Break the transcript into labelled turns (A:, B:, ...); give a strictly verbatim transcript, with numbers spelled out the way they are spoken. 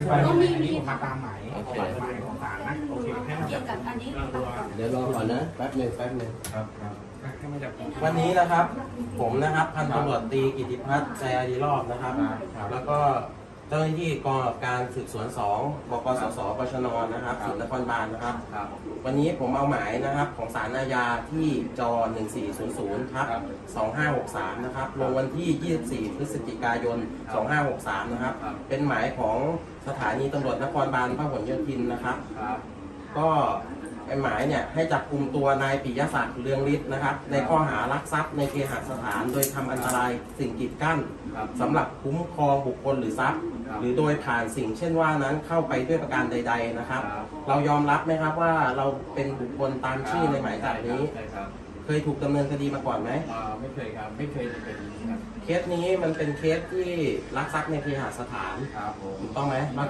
A: ก็มีมีมาตามหมายหมายของศาลนะโอเคแค่นั้น
B: เกี่ยวกับอันนี้ตัดก่อน
C: เดี๋ยวรอก่อนนะแป๊บหนึ่งแป๊บหนึ่ง
A: ครับครับแค่ไม่จับ
C: วันนี้นะครับผมนะครับพันตำรวจตรีกิติพัฒน์ใจอารีรอบนะครับแล้วก็เจ้าหน้าที่กองกำกับการสืบสวนสองบกสสปชนนะครับสืบนครบาลนะครับวันนี้ผมเอาหมายนะครับของศาลอาญาที่จหนึ่งสี่ศูนย์ศูนย์ทับสองห้าหกสามนะครับลงวันที่ยี่สิบสี่พฤศจิกายนสองห้าหกสามนะครับเป็นหมายของสถานีตำรวจนครบาลพหลโยธินนะครับก็ไอ้หมายเนี่ยให้จับกุมตัวนายปิยศักดิ์เรืองฤทธิ์นะครับในข้อหารักทรัพย์ในเคหสถานโดยทำอันตรายสิ่งกีดกั้นสำหรับคุ้มครองบุคคลหรือทรัพย์หรือโดยผ่านสิ่งเช่นว่านั้นเข้าไปด้วยประการใดๆนะครับเรายอมรับไหมครับว่าเราเป็นบุคคลตามชื่อในหมายจับนี้เคยถูกดำเนินคดีมาก่อนไหม
A: ไม่เคยครับไม่เคยเป็นครับ
C: เคสนี้มันเป็นเคสที่รักทรัพย์ในเคหสถานถูกต้องไหม